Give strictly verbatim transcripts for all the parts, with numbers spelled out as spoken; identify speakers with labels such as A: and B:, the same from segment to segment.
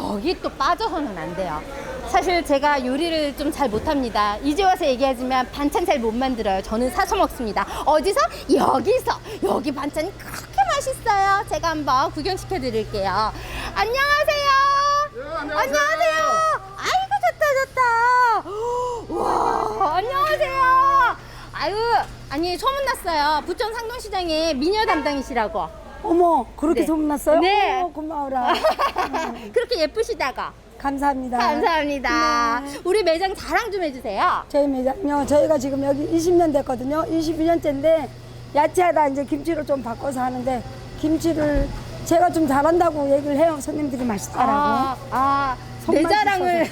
A: 여기 또 빠져서는 안 돼요. 사실 제가 요리를 좀 잘 못합니다. 이제 와서 얘기하지만 반찬 잘 못 만들어요. 저는 사서 먹습니다. 어디서? 여기서. 여기 반찬이 그렇게 맛있어요. 제가 한번 구경시켜 드릴게요. 안녕하세요.
B: 네, 안녕하세요.
A: 안녕하세요. 아이고 좋다 좋다. 와 안녕하세요. 아유 아니 소문났어요. 부천 상동시장에 미녀 담당이시라고.
C: 어머, 그렇게
A: 네.
C: 소문났어요?
A: 네.
C: 어머, 고마워라.
A: 그렇게 예쁘시다가.
C: 감사합니다.
A: 감사합니다.
C: 네.
A: 우리 매장 자랑 좀 해주세요.
C: 저희 매장요, 저희가 지금 여기 이십 년 됐거든요. 이십이 년째인데, 야채하다 이제 김치로 좀 바꿔서 하는데, 김치를 제가 좀 잘한다고 얘기를 해요. 손님들이 맛있다라고.
A: 아, 아, 내
C: 손맛이
A: 자랑을.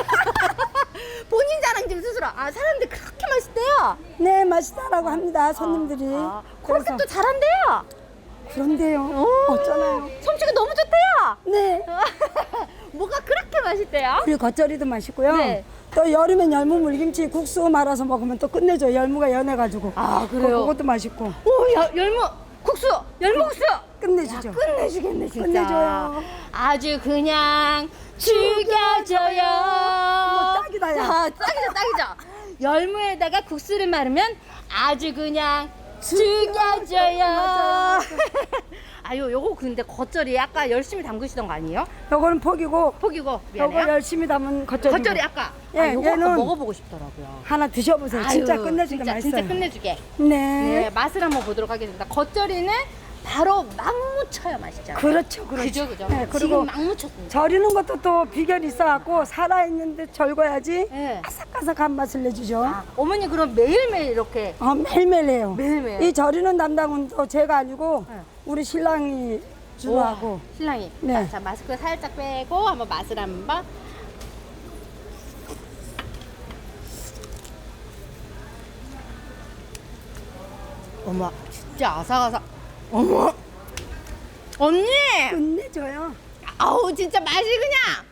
A: 본인 자랑 좀 스스로. 아, 사람들 그렇게 맛있대요.
C: 네, 맛있다라고 합니다. 손님들이.
A: 아, 그렇게
C: 그래서
A: 또 잘한대요.
C: 그런데요.
A: 오,
C: 어쩌나요?
A: 솜씨가 너무 좋대요.
C: 네.
A: 뭐가 그렇게 맛있대요?
C: 우리 겉절이도 맛있고요.
A: 네.
C: 또 여름엔 열무 물김치 국수 말아서 먹으면 또 끝내줘요. 열무가 연해가지고.
A: 아, 그래요?
C: 그, 그것도 맛있고.
A: 오, 야, 열무, 국수, 열무 국수.
C: 끝내주죠.
A: 끝내주겠네, 진짜.
C: 끝내줘요.
A: 아주 그냥 죽여줘요.
C: 뭐 딱이다, 야.
A: 아, 딱이죠, 딱이죠. 열무에다가 국수를 말으면 아주 그냥 죽여줘요.
C: 맞아요.
A: 아유, 요거 근데 겉절이 아까 열심히 담그시던 거 아니에요?
C: 요거는 포기고,
A: 포기고,
C: 요거
A: 미안해요.
C: 열심히 담은 겉절이.
A: 겉절이 아까.
C: 예,
A: 아, 요거 아까
C: 얘는
A: 먹어보고 싶더라고요.
C: 하나 드셔보세요. 진짜
A: 아유,
C: 끝내주게
A: 진짜,
C: 맛있어요.
A: 진짜 끝내주게.
C: 네.
A: 네, 맛을 한번 보도록 하겠습니다. 겉절이는 바로 막 묻혀야 맛있죠.
C: 그렇죠, 그렇죠.
A: 그죠, 그죠.
C: 네, 그리고
A: 지금 막 묻혔습니다.
C: 절이는 것도 또 비결이 있어갖고 살아있는데 절거야지
A: 네.
C: 아삭아삭한 맛을 내주죠.
A: 아, 어머니 그럼 매일매일 이렇게
C: 어, 매일매일 해요.
A: 매일매일?
C: 이 절이는 담당은 또 제가 아니고
A: 네.
C: 우리 신랑이 주로
A: 우와,
C: 하고.
A: 신랑이.
C: 네.
A: 자, 자, 마스크 살짝 빼고 한번 맛을 한번. 어머, 진짜 아삭아삭. 어머, 언니.
C: 끝내줘요.
A: 아우 진짜 맛이 그냥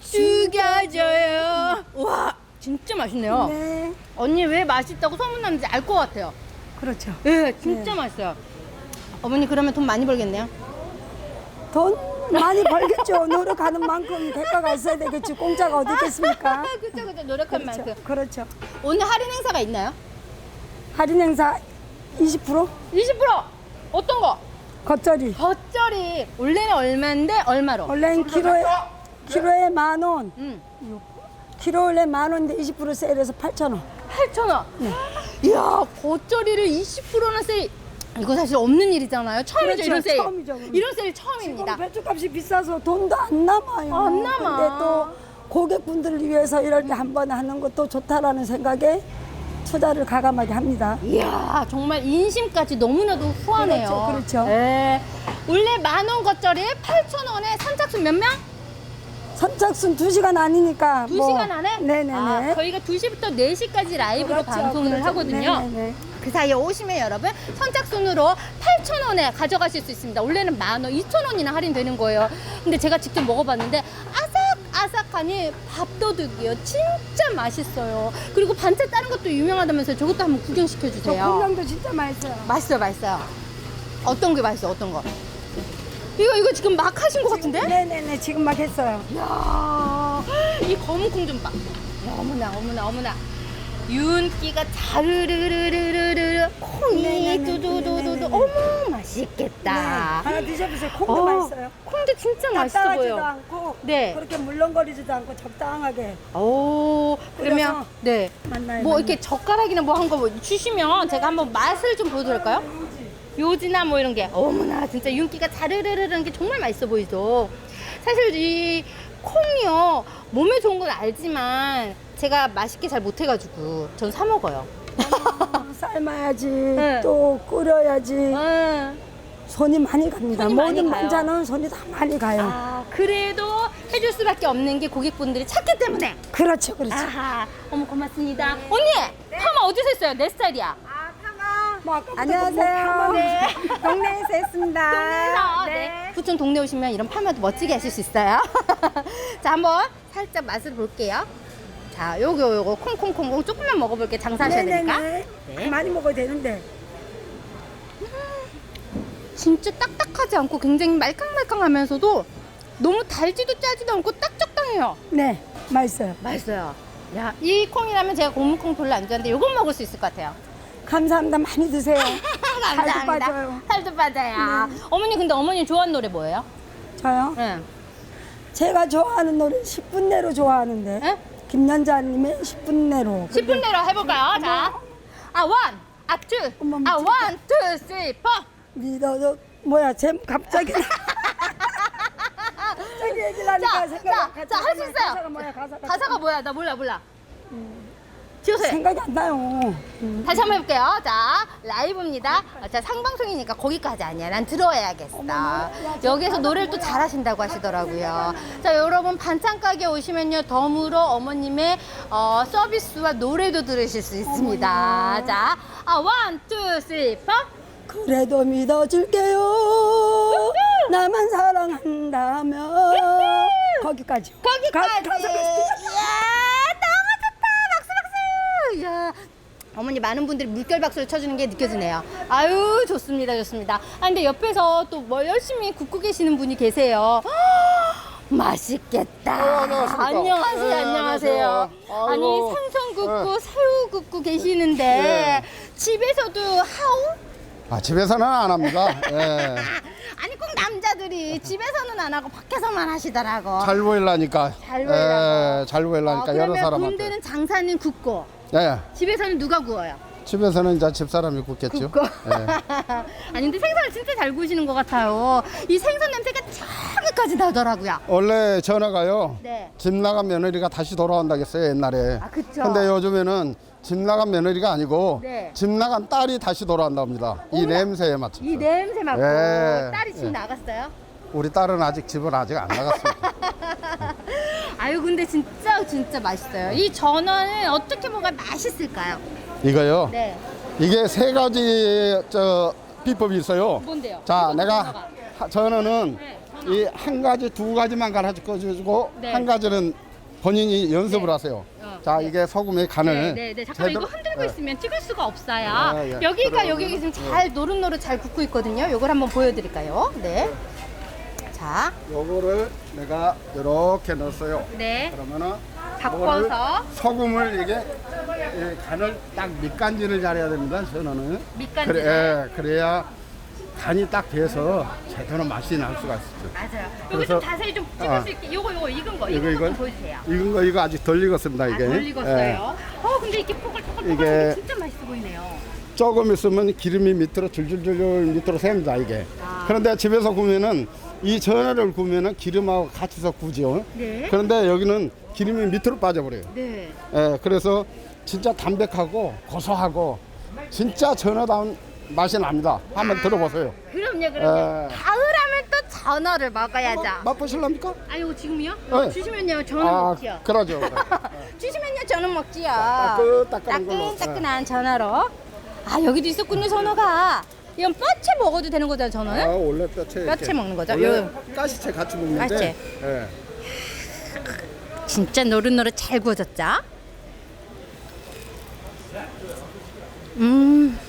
A: 죽여줘요. 와, 진짜 맛있네요.
C: 네.
A: 언니 왜 맛있다고 소문났는지 알 것 같아요.
C: 그렇죠.
A: 네, 진짜
C: 네.
A: 맛있어요. 어머니 그러면 돈 많이 벌겠네요.
C: 돈 많이 벌겠죠. 노력하는 만큼 대가가 있어야 되겠지. 공짜가 어디 있겠습니까?
A: 그쵸 그쵸 노력한
C: 그렇죠.
A: 만큼.
C: 그렇죠.
A: 오늘 할인 행사가 있나요?
C: 할인 행사 이십 퍼센트?
A: 이십 퍼센트 어떤 거?
C: 겉절이.
A: 겉절이 원래는 얼마인데 얼마로?
C: 원래는 키로에 키로에 만 원.
A: 음,
C: 키로에 만 원인데 이십 퍼센트 세일해서 팔천 원.
A: 팔천 원. 이야 겉절이를 이십 퍼센트나 세일. 이거 사실 없는 일이잖아요. 처음이죠
C: 그렇죠,
A: 이런 세일.
C: 처음이죠.
A: 이런 세일
C: 지금
A: 처음입니다.
C: 배추값이 비싸서 돈도 안 남아요.
A: 안 남아.
C: 근데 또 고객분들을 위해서 이럴 때 한 번 하는 것도 좋다라는 생각에 투자를 가감하게 합니다.
A: 이야 정말 인심까지 너무나도 후하네요.
C: 그렇죠, 그렇죠.
A: 네. 원래 만 원 겉절이에 팔천 원에 선착순 몇 명?
C: 선착순 두 시간 아니니까.
A: 두
C: 뭐.
A: 시간 안에?
C: 네네네.
A: 아, 저희가 두 시부터 네 시까지 라이브로
C: 그렇죠,
A: 방송을
C: 그렇죠.
A: 하거든요.
C: 네네네.
A: 그 사이에 오시면 여러분 선착순으로 팔천 원에 가져가실 수 있습니다. 원래는 만 원, 이천 원이나 할인되는 거예요. 근데 제가 직접 먹어봤는데 아삭아삭하니 밥도둑이요. 진짜 맛있어요. 그리고 반찬 다른 것도 유명하다면서요. 저것도 한번
C: 저
A: 구경시켜주세요.
C: 콩냥도 진짜 맛있어요.
A: 맛있어요, 맛있어요. 어떤 게 맛있어, 어떤 거? 이거, 이거 지금 막 하신 것 같은데?
C: 네네네, 지금 막 했어요.
A: 이야, 이 검은 콩 좀 봐. 야, 어머나, 어머나, 어머나. 윤기가 자르르르르르르 콩이
C: 네네네,
A: 두두두두두.
C: 네네네.
A: 어머, 맛있겠다.
C: 네, 하나 드셔보세요. 콩도
A: 어,
C: 맛있어요.
A: 콩도 진짜 맛있어
C: 딱딱하지도
A: 보여.
C: 않고
A: 네.
C: 그렇게 물렁거리지도 않고 적당하게
A: 오, 그러면
C: 끓여서
A: 네.
C: 만나요.
A: 뭐
C: 만나요.
A: 이렇게 젓가락이나 뭐 한 거 주시면 제가 한번 맛을 좀 보여드릴까요? 요지나 뭐 이런 게 어머나 진짜 윤기가 자르르르는 게 정말 맛있어 보이죠. 사실 이 콩이요 몸에 좋은 건 알지만 제가 맛있게 잘 못해가지고 전 사 먹어요.
C: 삶아야지
A: 네.
C: 또 끓여야지
A: 음.
C: 손이 많이 갑니다.
A: 손이 많이
C: 모든
A: 가요.
C: 반찬은 손이 다 많이 가요.
A: 아 그래도 해줄 수밖에 없는 게 고객분들이 찾기 때문에.
C: 그렇죠, 그렇죠.
A: 아하 어머 고맙습니다. 언니 파마 어디서 했어요? 내 스타일이야.
C: 뭐 아까부터
D: 안녕하세요.
C: 뭐
A: 네.
D: 동네에서 했습니다.
A: 동네에서 네. 부천 동네 오시면 이런 파마도 멋지게 하실 수 있어요. 자 한번 살짝 맛을 볼게요. 자 요거 요거 콩콩콩콩 조금만 먹어볼게요. 장사하셔야 되니까.
C: 네네네.
A: 네.
C: 많이 먹어야 되는데.
A: 진짜 딱딱하지 않고 굉장히 말캉말캉하면서도 너무 달지도 짜지도 않고 딱 적당해요.
C: 네, 맛있어요.
A: 맛있어요. 야, 이 콩이라면 제가 고무콩 별로 안 좋아하는데 이건 먹을 수 있을 것 같아요.
C: 감사합니다. 많이 드세요.
A: 감사합니다.
C: 살도 빠져요.
A: 살도 빠져요. 어머니 근데 어머니 좋아하는 노래 뭐예요?
C: 저요?
A: 네.
C: 제가 좋아하는 노래 십 분 내로 좋아하는데
A: 네?
C: 김연자님의 십 분 내로.
A: 십 분 내로 해볼까요? 자, 아 원, 아 투,
C: 어머,
A: 아
C: 미치겠다.
A: 원, 투, 쓰리, 포.
C: 믿어줘. 뭐야, 제 갑자기. 갑자기 얘기를 하니까
A: 자,
C: 생각이
A: 자,
C: 갑자기
A: 자, 할 수
C: 가사가
A: 있어요.
C: 뭐야, 가사가.
A: 가사가 뭐야? 나 몰라, 몰라. 지우세요.
C: 생각이 안 나요. 음.
A: 다시 한번 해볼게요. 자, 라이브입니다. 자, 상방송이니까 거기까지 아니야. 난 들어야겠어. 여기서 노래를 또 잘하신다고 하시더라고요. 자, 여러분 반찬 가게 오시면요. 덤으로 어머님의 어, 서비스와 노래도 들으실 수 있습니다. 자, 아, 원, 투, 쓰리, 포.
C: 그래도 믿어줄게요. 나만 사랑한다면. 거기까지.
A: 거기까지.
C: 가- 가사
A: 이야, 너무 좋다. 박수, 박수. 이야. 어머니 많은 분들이 물결 박수를 쳐주는 게 느껴지네요. 아유, 좋습니다, 좋습니다. 아, 근데 옆에서 또 뭐 열심히 굽고 계시는 분이 계세요. 헉, 맛있겠다.
B: 어, 안녕하십니까.
A: 안녕하세요,
B: 네,
A: 안녕하세요.
B: 안녕하세요.
A: 아니,
B: 아이고.
A: 생선 굽고
B: 네.
A: 새우 굽고 계시는데
B: 네.
A: 집에서도 하우?
B: 아, 집에서는 안 합니다. 예.
A: 아니, 꼭 남자들이 집에서는 안 하고 밖에서만 하시더라고.
B: 잘 보이려니까.
A: 잘 보이려고.
B: 예, 잘 보이려니까
A: 어,
B: 여러
A: 그러면
B: 사람한테.
A: 군대는 장사는 굽고
B: 예.
A: 집에서는 누가 구워요?
B: 집에서는 이제 집사람이 굽겠죠.
A: 굽고.
B: 예.
A: 아니 근데 생선을 진짜 잘 구우시는 것 같아요. 이 생선 냄새가 저기까지 나더라고요.
B: 원래 전화가요.
A: 네.
B: 집 나간 며느리가 다시 돌아온다고 했어요, 옛날에.
A: 아, 그쵸.
B: 근데 요즘에는 집 나간 며느리가 아니고
A: 네.
B: 집 나간 딸이 다시 돌아온답니다. 이
A: 어머나.
B: 냄새에 맞춰서.
A: 이 냄새 맡고
B: 예.
A: 딸이 집
B: 예.
A: 나갔어요?
B: 우리 딸은 아직 집을 아직 안 나갔습니다.
A: 아유 근데 진짜 진짜 맛있어요. 이 전어는 어떻게 먹어야 맛있을까요?
B: 이거요.
A: 네.
B: 이게 세 가지 저 비법이 있어요.
A: 뭔데요?
B: 자,
A: 이것도
B: 내가
A: 전어가.
B: 하- 전어는
A: 네,
B: 이 한 가지, 두 가지만 가르쳐주고
A: 네.
B: 한 가지는 본인이 연습을
A: 네.
B: 하세요.
A: 어,
B: 자,
A: 네.
B: 이게 소금의 간을
A: 네, 네, 네. 잠깐만
B: 제대로-
A: 이거 흔들고
B: 네.
A: 있으면 찍을 수가 없어요.
B: 아, 예.
A: 여기가
B: 그러면은-
A: 여기 지금 잘 노릇노릇 잘 굽고 있거든요. 요걸 한번 보여드릴까요? 네. 자,
B: 요거를 내가 이렇게 넣었어요.
A: 네.
B: 그러면은
A: 바꿔서.
B: 요거를 소금을 이게 이 간을 딱 밑간질을 잘해야 됩니다. 전어는.
A: 밑간질을?
B: 그래, 예, 그래야 간이 딱 돼서 제대로 맛이 날 수가 있죠.
A: 맞아요. 여기
B: 그래서-
A: 좀 자세히 좀 찍을
B: 아.
A: 수 있게. 요거 요거 익은 거
B: 이거,
A: 익은
B: 이거?
A: 거좀 보여주세요.
B: 익은 거 이거 아직 덜 익었습니다. 이게.
A: 아, 덜 익었어요.
B: 예.
A: 어, 근데 이게 포글포글포글
B: 이게-
A: 진짜 맛있어 보이네요.
B: 조금 있으면 기름이 밑으로 줄줄줄 밑으로 셉니다 이게.
A: 아.
B: 그런데 집에서 구우면은 이 전어를 구우면은 기름하고 같이서 구죠.
A: 네.
B: 그런데 여기는 기름이 밑으로 빠져버려요.
A: 네.
B: 예, 그래서 진짜 담백하고 고소하고 진짜 전어다운 맛이 납니다. 한번 들어보세요.
A: 그럼요, 그럼요.
B: 에.
A: 가을하면 또 전어를 먹어야죠.
B: 맛보실랍니까?
A: 아유, 지금요?
B: 네.
A: 주시면요, 저는
B: 아,
A: 먹지요.
B: 그러죠. 그래.
A: 주시면요, 저는 먹지요.
B: 따끈따끈한 걸로.
A: 따끈따끈한 전어로. 아, 여기도 있었군요, 전어가. 이건 뼈채 먹어도 되는 거잖아요,
B: 아,
A: 전어는?
B: 원래 뼈채.
A: 뼈채
B: 이렇게.
A: 먹는 거죠?
B: 원래
A: 요-
B: 가시채 같이 먹는데.
A: 가시채.
B: 예.
A: 진짜 노릇노릇 잘 구워졌죠? 음.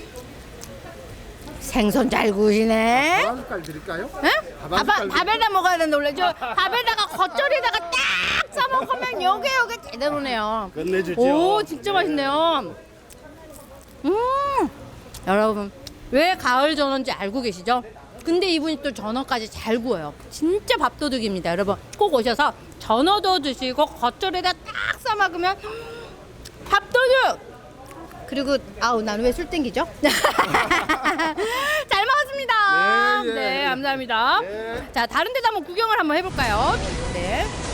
A: 생선 잘 구우시네.
B: 밥 한 숟갈 드릴까요?
A: 응?
B: 밥
A: 밥,
B: 한 숟갈
A: 밥에다 먹어야 되는데 원래 저 밥에다가 겉절이다가 딱 싸먹으면 요게 요게 제대로네요.
B: 끝내주죠.
A: 오 진짜 맛있네요. 음 여러분 왜 가을 전어인지 알고 계시죠? 근데 이분이 또 전어까지 잘 구워요. 진짜 밥도둑입니다. 여러분 꼭 오셔서 전어도 드시고 겉절이다 딱 싸먹으면 밥도둑. 그리고 아우 나는 왜 술 땡기죠? 잘 먹었습니다.
B: 네, 예,
A: 네
B: 예.
A: 감사합니다.
B: 네.
A: 자 다른 데도 한번 구경을 한번 해볼까요? 네.